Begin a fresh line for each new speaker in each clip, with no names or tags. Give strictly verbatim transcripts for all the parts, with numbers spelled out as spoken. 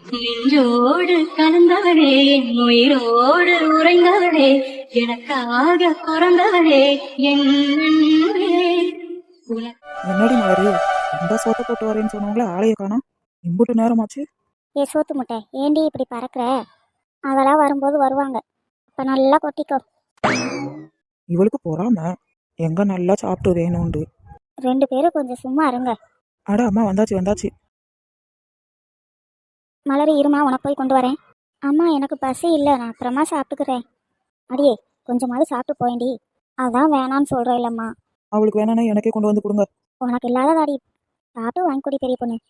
நெஞ்சோடு கலந்தவளே, என் உயிரோடு உறைந்தவளே, எனக்காக பிறந்தவளே, என் அன்பே. உனக்கு
என்னடி மலரு, இந்த சோத்தை போட்டு வரேன்னு சொன்னவங்கள ஆளைய காணோம். இம்புட்டு நேரமாச்சு.
ஏ சோத்து முட்டை, ஏண்டி இப்படி பறக்கிற? அதெல்லாம் வரும்போது வருவாங்க. இப்போ நல்லா கொட்டிக்கோ.
இவளுக்கு பொறாம, எங்க நல்லா சாப்பிட்டு வேணும்ண்டு.
ரெண்டு பேரும் கொஞ்சம் சும்மா இருங்க.
அட அம்மா, வந்தாச்சு வந்தாச்சு.
மலரு இருமா, உனக்கு போய் கொண்டு வரேன். அம்மா எனக்கு பசி இல்லை, நான் அப்புறமா சாப்பிட்டுக்கிறேன். அடியே கொஞ்சமாவது சாப்பிட்டு போயேண்டி. அதான் வேணான்னு சொல்கிறேன் இல்லைம்மா.
அவளுக்கு வேணானே எனக்கே கொண்டு வந்து கொடுங்க.
உனக்கு இல்லாததாடி, சாப்பிட்டு வாங்கி கொடி பெரிய பொண்ணு.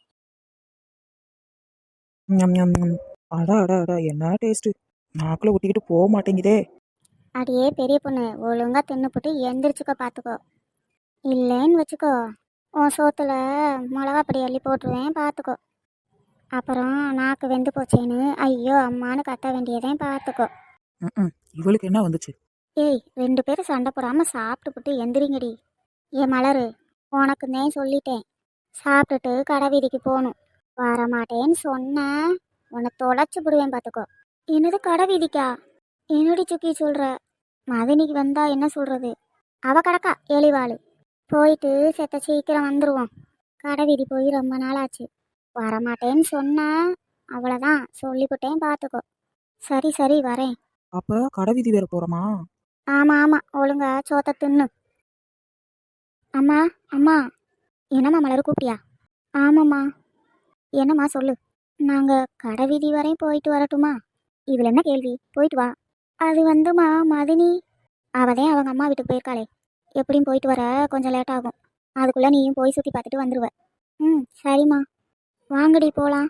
ஞம், ஞம், ஞம். அட அட அட, என்ன டேஸ்ட். நாக்குல ஒட்டிக்கிட்டு போக மாட்டேங்குதே.
அடியே பெரிய பொண்ணு, ஒழுங்கா தின்னுப்புட்டு எந்திரிச்சுக்க பார்த்துக்கோ. இல்லைன்னு வச்சுக்கோ, உன் சோத்துல மிளகா பொடி அள்ளி போட்டுருவேன் பார்த்துக்கோ. அப்புறம் நாக்கு வெந்து போச்சேன்னு ஐயோ அம்மானு கத்த வேண்டியதையும் பார்த்துக்கோ.
ம் இவளுக்கு என்ன வந்துச்சு?
ஏய், ரெண்டு பேரும் சண்டை போடாமல் சாப்பிட்டுப்புட்டு எந்திரிங்கடி. ஏ மலரு, உனக்கு தான் சொல்லிட்டேன், சாப்பிட்டுட்டு கடை வீதிக்கு போகணும். வரமாட்டேன்னு சொன்னேன், உன்னை தொலைச்சி விடுவேன் பார்த்துக்கோ. என்னது கடை வீதிக்கா? என்னடி சுக்கி சொல்கிற? மதினிக்கு வந்தா என்ன சொல்கிறது? அவ கடக்கா எலிவாள். போயிட்டு செத்த சீக்கிரம் வந்துடுவோம். கடை வீதி போய் ரொம்ப நாள் ஆச்சு. வரமாட்டேன்னு சொன்னேன், அவ்வளோதான் சொல்லிவிட்டேன் பார்த்துக்கோ. சரி சரி வரேன்.
அப்ப கடை வீதி வேற போறோமா?
ஆமாம் ஆமாம், ஒழுங்கா சோத்தை தின்னு. அம்மா அம்மா. என்னம்மா மலர் கூப்பிட்டியா? ஆமாம்மா. என்னம்மா சொல்லு. நாங்கள் கடை வீதி வரையும் போயிட்டு வரட்டுமா? இதில் என்ன கேள்வி, போயிட்டு வா. அது வந்துமா மதினி, அவதே அவங்க அம்மா வீட்டுக்கு போயிருக்காளே, எப்படியும் போயிட்டு வர கொஞ்சம் லேட் ஆகும். அதுக்குள்ளே நீயும் போய் சுற்றி பார்த்துட்டு வந்துடுவ. ம் சரிம்மா, வாங்கடி போகலாம்.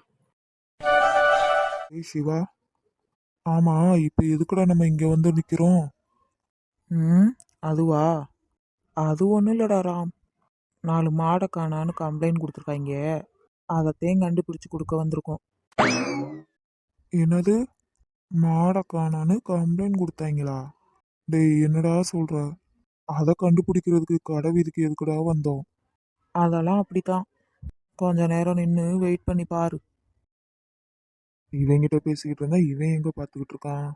ஏய் சிவா, ஆமா இப்ப எதுக்குடா நம்ம இங்க வந்து நிக்கிறோம்?
ம் அதுவா, அது ஒன்றும் இல்லடா ராம். நாலு மாடை காணான்னு கம்ப்ளைண்ட் கொடுத்துருக்காங்க. அதைத்தையும் கண்டுபிடிச்சு கொடுக்க வந்திருக்கோம்.
என்னது, மாடை காணான்னு கம்ப்ளைண்ட் கொடுத்தாங்களா? டேய் என்னடா சொல்ற? அதை கண்டுபிடிக்கிறதுக்கு கடை வீதிக்கு எதுக்குடா வந்தோம்?
அதெல்லாம் அப்படித்தான். கொஞ்ச நேரம் நின்று வெயிட் பண்ணி பாரு.
இவங்கிட்ட பேசிக்கிட்டு இருந்தா இவன் எங்க பார்த்துக்கிட்டு இருக்கான்?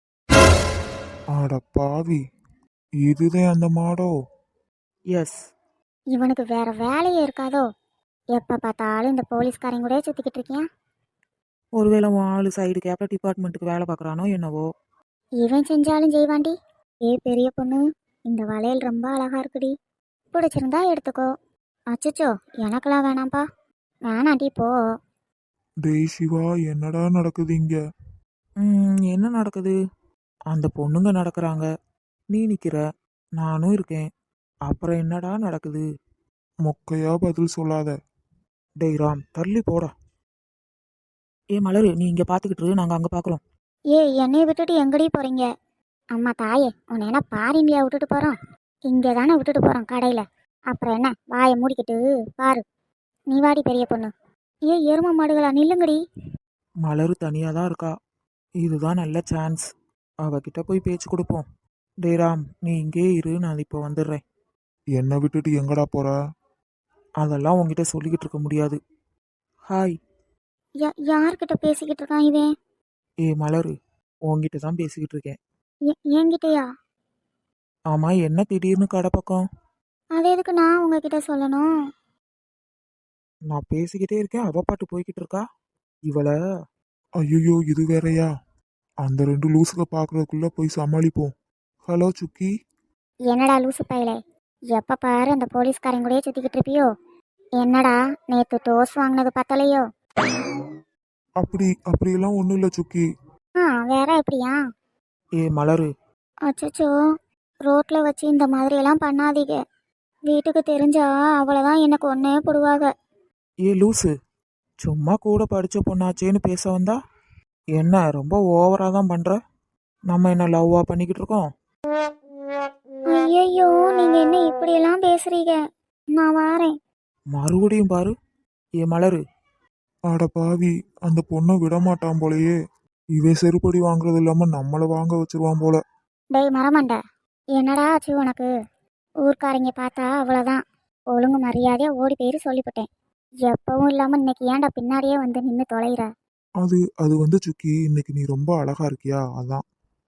ஆட பாவி, இதுதான் அந்த மாடோ?
எஸ்.
இவனுக்கு வேற வேலையே இருக்காதோ? எப்போ பார்த்தாலும் இந்த போலீஸ்காரங்க கூட சுற்றிக்கிட்டு இருக்கியா?
ஒருவேளை உன் ஆளு சைடு கேபிட்டல் டிபார்ட்மெண்ட்டுக்கு வேலை பார்க்குறானோ என்னவோ.
இவன் செஞ்சாலும் செய்வாண்டி. ஏ பெரிய பொண்ணு, இந்த வளையல் ரொம்ப அழகா இருக்குடி, பிடிச்சிருந்தா எடுத்துக்கோ. அச்சச்சோ, எனக்கெல்லாம் வேணாம்ப்பா. வேணாண்டி போ.
டேய் சிவா, என்னடா நடக்குது இங்க?
ம் என்ன நடக்குது? அந்த பொண்ணுங்க நடக்கிறாங்க, நீ நிற்கிற, நானும் இருக்கேன். அப்புறம் என்னடா நடக்குது?
மொக்கையா பதில் சொல்லாத.
டேய் ராம், தள்ளி போடா. ஏ மலரு, நீ இங்கே பார்த்துக்கிட்டு, நாங்கள் அங்கே பார்க்குறோம்.
ஏ என்னைய விட்டுட்டு எங்கடி போறீங்க? அம்மா தாயே, உன்னை என்ன பாரிண்டியா விட்டுட்டு போகிறோம்? இங்கே தானே விட்டுட்டு போகிறோம் கடையில். அப்புறம் என்ன, வாயை மூடிக்கிட்டு பாரு. நீ வாடி பெரிய பொண்ணு. ஏ எரும மாடுகளா, நில்லுங்கடி.
மலரு தனியாக தான் இருக்கா. இதுதான் நல்ல சான்ஸ். அவகிட்ட போய் பேச்சு கொடுப்போம். டே ராம், நீ இங்கே இரு, நான் இப்போ வந்துடுறேன்.
என்னை விட்டுட்டு எங்கடா போற?
அதெல்லாம் உங்ககிட்ட சொல்லிக்கிட்டு இருக்க முடியாது. ஹாய்.
யா யார்கிட்ட பேசிக்கிட்டு இருக்கான் இவன்?
ஏ மலரு, உங்ககிட்ட தான் பேசிக்கிட்டு இருக்கேன்.
எ- என்கிட்டயா?
ஆமாம், என்ன திடீர்னு கடை பக்கம்?
அது எதுக்கு நான் உங்ககிட்ட சொல்லணும்?
நான் பேசிக்கிட்டே இருக்கேன், அவ பாட்டு போய்கிட்டு இருக்கா. இவளை
ஐயோ, இது வேறயா? அந்த ரெண்டு லூசுக பார்க்கறதுக்குள்ள போய் சமாளிப்போம். ஹலோ சுக்கி.
என்னடா லூசு பயலே, எப்போ பாரு அந்த போலீஸ்காரங்க கூடயே சுற்றிக்கிட்டு இருப்பியோ? என்னடா நேற்று டோஸ் வாங்கினது பத்தலையோ?
அப்படி அப்படியெல்லாம் ஒன்றும் இல்லை சுக்கி.
ஆ வேற எப்படியா?
ஏ மலரு.
அச்சச்சோ, ரோட்டில் வச்சு இந்த மாதிரியெல்லாம் பண்ணாதீங்க. வீட்டுக்கு தெரிஞ்சா அவ்வளோதான், எனக்கு ஒன்றே போடுவாங்க.
ஏ லூசு, சும்மா கூட படித்த பொண்ணாச்சேன்னு பேச வந்தா என்ன ரொம்ப ஓவராக தான் பண்ணுற. நம்ம என்ன லவ்வாக பண்ணிக்கிட்டு இருக்கோம்?
ஐயையோ, நீங்கள் என்ன இப்படியெல்லாம் பேசுறீங்க? நான் வாரேன்.
மறுபடியும் பாரு. ஏ மலரு.
ஆட பாவி, அந்த பொண்ணை விட மாட்டான் போலயே. இவன் செருப்படி வாங்குறது இல்லாம நம்மளை வாங்க வச்சிருவான் போல.
டேய் மரமண்ட, என்னடா ஆச்சு உனக்கு? ஊர்க்காரங்க பார்த்தா அவ்வளோதான், ஒழுங்கு மரியாதையாக ஓடி போயிரு சொல்லிவிட்டேன். எப்பவும் இல்லாமல் இன்னைக்கு ஏன்டா பின்னாடியே வந்து நின்று தொலைகிற?
அது அது வந்து சுக்கி இன்னைக்கு நீ ரொம்ப அழகா இருக்கியா அதான்.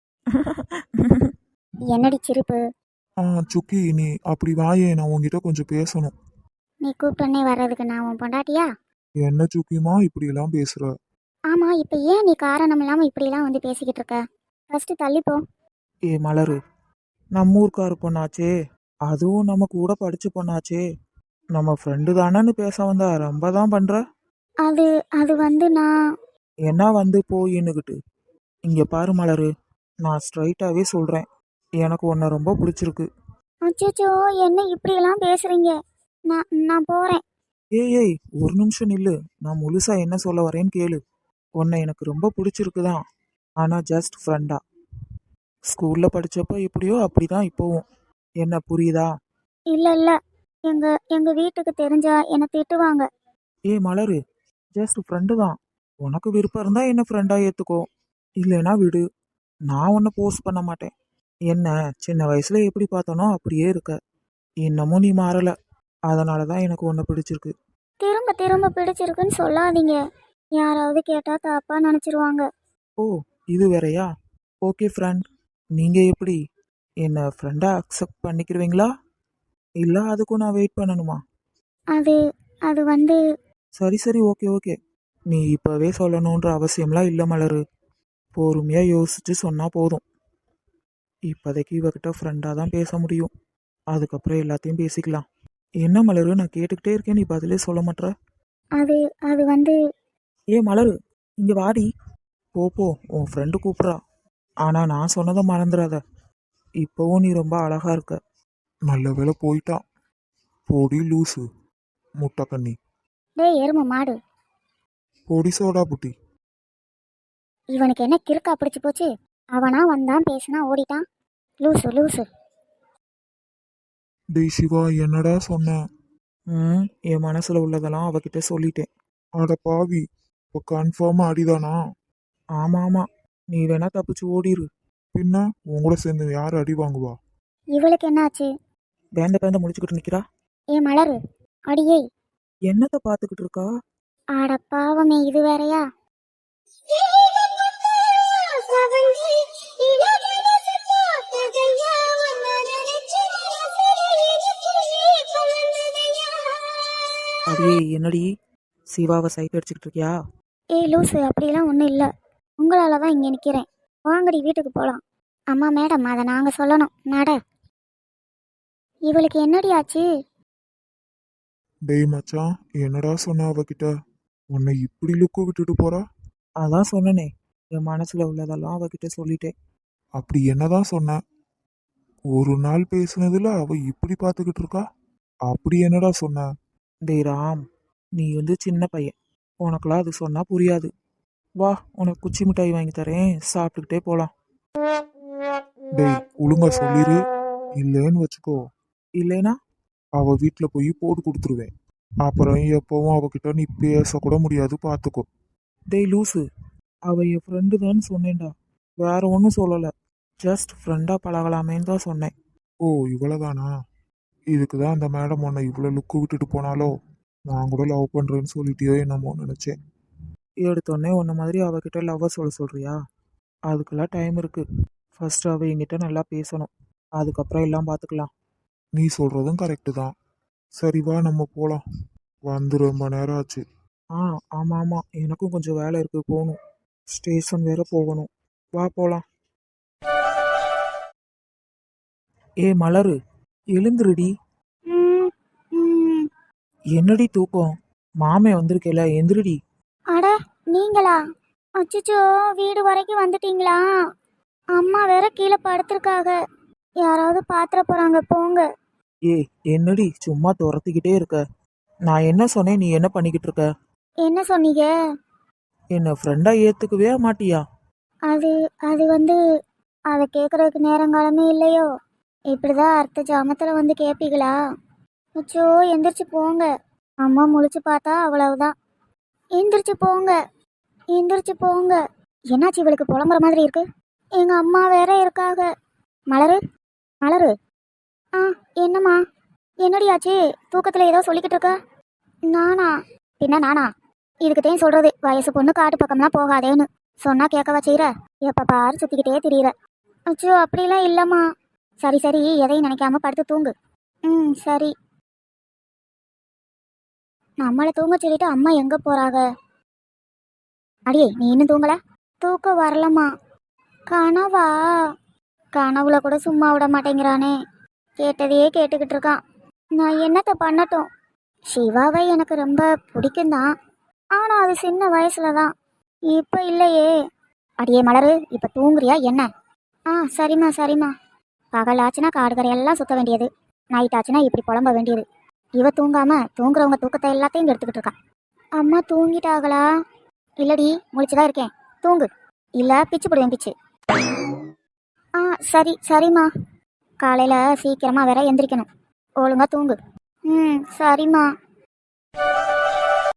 என்னடி சிரிப்பு?
ஆ சுக்கி நீ அப்படி வாயே, நான் உன்கிட்ட கொஞ்சம் பேசணும்.
நீ கூப்பிட்டோன்னே வர்றதுக்கு நான் உன் பொண்டாட்டியா?
என்ன சுக்கிமா இப்படி எல்லாம் பேசுற?
ஆமா, இப்போ ஏன் நீ காரணம் இல்லாமல் இப்படிலாம் வந்து பேசிக்கிட்டு இருக்க? ஃபர்ஸ்ட் தள்ளிப்போ.
ஏ மலரு, நம்ம ஊர்க்காரு பொண்ணாச்சே, அதுவும் நம்ம கூட படிச்ச பொண்ணாச்சே, நம்ம ஃப்ரெண்டு தானேன்னு பேச வந்தா ரொம்ப தான் பண்ற.
அது அது வந்து நான்.
என்ன வந்து போயின்னுக்கிட்டு. இங்க பாரு மலரு, நான் ஸ்ட்ரைட்டாவே சொல்றேன், எனக்கு உன்னை ரொம்ப பிடிச்சிருக்கு.
அச்சோ, என்ன இப்படியெல்லாம் பேசுறீங்க? நான் நான் போறேன்.
ஏய் ஏய் ஒரு நிமிஷம் நில்லு, நான் முழுசா என்ன சொல்ல வரேன்னு கேளு. உன்னை எனக்கு ரொம்ப பிடிச்சிருக்குதான், ஆனா ஜஸ்ட் ஃப்ரெண்டா. ஸ்கூல்ல படிச்சப்போ எப்படியோ அப்படிதான் இப்போவும். என்ன புரியுதா?
இல்ல இல்ல, எங்க எங்க வீட்டுக்கு தெரிஞ்சா என்னை திட்டுவாங்க.
ஏ மலரு, ஜஸ்ட் ஃப்ரெண்டு தான். உனக்கு விருப்பம் இருந்தா என்ன ஃப்ரெண்டா ஏத்துக்கோ, இல்லைன்னா விடு. நான் உன்னை போஸ்ட் பண்ண மாட்டேன். என்ன சின்ன வயசுல எப்படி பார்த்தனோ அப்படியே இருக்க, இன்னமும் நீ மாறல. அதனால தான் எனக்கு உன்னை பிடிச்சிருக்கு.
திரும்ப திரும்ப பிடிச்சிருக்குன்னு சொல்லாதீங்க, யாராவது கேட்டா தப்பா நினைச்சிருவாங்க.
ஓ, இது வேறயா? ஓகே ஃப்ரெண்ட், நீங்க எப்படி என்ன ஃப்ரெண்டா அக்செப்ட் பண்ணிக்கிறீங்களா, இல்ல அதுக்கும் நான் வெயிட் பண்ணணுமா?
அது அது வந்து.
சரி சரி ஓகே ஓகே, நீ இப்பவே சொல்லணுன்ற அவசியம்லாம் இல்லை மலரு. பொறுமையா யோசிச்சு சொன்னா போதும். இப்போதைக்கு இவகிட்ட ஃப்ரெண்டாக தான் பேச முடியும், அதுக்கப்புறம் எல்லாத்தையும் பேசிக்கலாம். என்ன மலரு, நான் கேட்டுக்கிட்டே இருக்கேன், நீ பதிலே சொல்ல மாட்ற.
அது அது வந்து.
ஏ மலரு, இங்க வாடி. போ போ, உன் ஃப்ரெண்டு கூப்பிட்றா. ஆனா நான் சொன்னதை மறந்துடாத, இப்போவும் நீ ரொம்ப அழகா இருக்க.
நல்ல வேளை போயிட்டான். போடி லூசு முட்டைக்கண்ணி.
டேய் எருமை மாடு,
போடி சோடா புட்டி.
இவனுக்கு என்ன கிறுக்கா பிடிச்சி போச்சு? அவனா வந்தான் பேசினா ஓடிட்டான். லூசு லூசு.
டேய் சிவா, என்னடா சொன்ன?
ம் என் மனசுல உள்ளதெல்லாம் அவகிட்ட சொல்லிட்டேன்.
அட பாவி, இப்போ கன்ஃபார்மா அடிதானா?
ஆமா ஆமா, நீ வேணா தப்பிச்சு ஓடிரு.
பின்ன உங்களோட சேர்ந்து யார் அடி வாங்குவா?
இவளுக்கு என்னாச்சு?
பேந்த பேந்த முடிச்சுக்கிட்டு நிக்கிறா.
ஏ மலரு, அடியே.
என்னத்த பாத்துக்கிட்டு இருக்கா?
ஆட பாவமே, இது வேறயா?
அடியே என்னடி, சிவாவை சைட் அடிச்சுக்கிட்டு இருக்கியா?
ஏய் லூசு, அப்படிலாம் ஒன்றும் இல்லை. உங்களால தான் இங்கே நிற்கிறேன். வாங்கடி வீட்டுக்கு போகலாம். அம்மா மேடம், அதை நாங்கள் சொல்லணும். நட. இவளுக்கு என்னடி ஆச்சு?
டேய் மச்சான், என்னடா சொன்ன அவகிட்ட? உன்னை இப்படி லுக்கு விட்டுட்டு போறா?
அதான் சொன்னனே, என் மனசுல உள்ளதெல்லாம் அவகிட்ட சொல்லிட்டேன்.
அப்படி என்னதான் சொன்ன? ஒரு நாள் பேசுனதுல அவ இப்படி பார்த்துக்கிட்டு இருக்கா? அப்படி என்னடா சொன்ன?
டேய் ராம், நீ வந்து சின்ன பையன், உனக்கெல்லாம் அது சொன்னா புரியாது. வா, உனக்கு குச்சி மிட்டாய் வாங்கி தரேன், சாப்பிட்டுக்கிட்டே போலாம்.
டேய் ஒழுங்கா சொல்லிரு, இல்லைன்னு வச்சுக்கோ
இல்லைனா?
அவ வீட்டுல போய் போட்டு கொடுத்துருவேன். அப்புறம் எப்பவும் அவகிட்ட நீ பேசக்கூட முடியாது, பார்த்துக்கோ.
டேய் லூசு, அவ என் ஃப்ரெண்டு தான் சொன்னேன்டா, வேற ஒன்றும் சொல்லலை. ஜஸ்ட் ஃப்ரெண்டா பழகலாமேன்னு தான் சொன்னேன்.
ஓ இவ்வளவுதானா? இதுக்கு தான் அந்த மேடம் உன்னை இவ்வளோ லுக்கு விட்டுட்டு போனாலோ? நான் கூட லவ் பண்றேன்னு சொல்லிட்டியோ என்னமோ நினைச்சேன்.
எடுத்தோடனே உன்ன மாதிரி அவகிட்ட லவ்வை சொல்ல சொல்றியா? அதுக்கெல்லாம் டைம் இருக்கு. ஃபர்ஸ்ட் அவ என்கிட்ட நல்லா பேசணும், அதுக்கப்புறம் எல்லாம் பார்த்துக்கலாம்.
நீ சொல்றதும் கரெக்டு தான். சரி வா, நம்ம போலாம். வந்து ரொம்ப நேரம் ஆச்சு.
ஆ ஆமாம் ஆமாம், எனக்கும் கொஞ்சம் வேலை இருக்கு, போகணும். ஸ்டேஷன் வேற போகணும். வா போலாம். ஏ மலரு, எழுந்துருடி.
ம், ம்.
என்னடி தூக்கம்? மாமே வந்திருக்கேல, எந்திருடி.
அட நீங்களா? அச்சச்சோ, வீடு வரைக்கும் வந்துட்டீங்களா? அம்மா வேற கீழே படுத்திருக்காக, யாராவது பாத்திர போறாங்க, போங்க.
ஏ என்னடி சும்மா துரத்திக்கிட்டே இருக்க? நான் என்ன சொன்னேன், நீ என்ன பண்ணிக்கிட்டு இருக்க?
என்ன சொன்னீங்க?
என்ன ஃப்ரெண்டா ஏத்துக்கவே மாட்டியா?
அது அது வந்து, அதை கேட்கறதுக்கு நேரங்காலமே இல்லையோ. இப்படிதான் அர்த்த ஜாமத்தில் வந்து கேட்பீங்களா? அச்சோ, எந்திரிச்சு போங்க. அம்மா முழிச்சு பார்த்தா அவ்வளவுதான். எந்திரிச்சு போங்க, எந்திரிச்சு போங்க. என்னாச்சு இவளுக்கு புலம்புற மாதிரி இருக்கு? எங்க அம்மா வேற இருக்காக. மலரு, மலரு. ஆ என்னம்மா? என்னடி ஆச்சு? தூக்கத்தில் ஏதோ சொல்லிக்கிட்டு இருக்க? நானா? பின்ன நானா? இதுக்குத்தையும் சொல்றது வயசு பொண்ணு காட்டு பக்கம்லாம் போகாதேன்னு சொன்னா கேட்கவா செய்யற? எப்ப பாரு சுத்திக்கிட்டே திரியிற. அச்சோ அப்படிலாம் இல்லம்மா. சரி சரி எதையும் நினைக்காம படுத்து தூங்கு. ம் சரி. நம்மளை தூங்க சொல்லிட்டு அம்மா எங்க போறாங்க? அடியே நீ இன்னும் தூங்கல? தூக்கம் வரலம்மா. கனவா? கனவுல கூட சும்மா விட மாட்டேங்கிறானே. கேட்டதையே கேட்டுக்கிட்டு இருக்கான். நான் என்னத்த பண்ணட்டும்? சிவாவை எனக்கு ரொம்ப பிடிக்கும் தான். ஆனா அது சின்ன வயசுல தான், இப்ப இல்லையே. அடியே மலரு, இப்ப தூங்குறியா என்ன? ஆ சரிம்மா சரிம்மா. பகலாச்சுன்னா காடு கரையெல்லாம் சுத்த வேண்டியது, நைட் ஆச்சுன்னா இப்படி புலம்ப வேண்டியது. இவ தூங்காம தூங்குறவங்க தூக்கத்தை எல்லாத்தையும் இங்க எடுத்துக்கிட்டு இருக்கா. அம்மா தூங்கிட்டாங்களா? இல்லடி, முழிச்சுதான் இருக்கேன். தூங்கு, இல்ல பிச்சு போடுவேன் பிச்சு. ஆ சரி சரிம்மா. காலையில சீக்கிரமா வேற எந்திரிக்கணும். ஒழுங்கா தூங்கு. ம் சரிம்மா.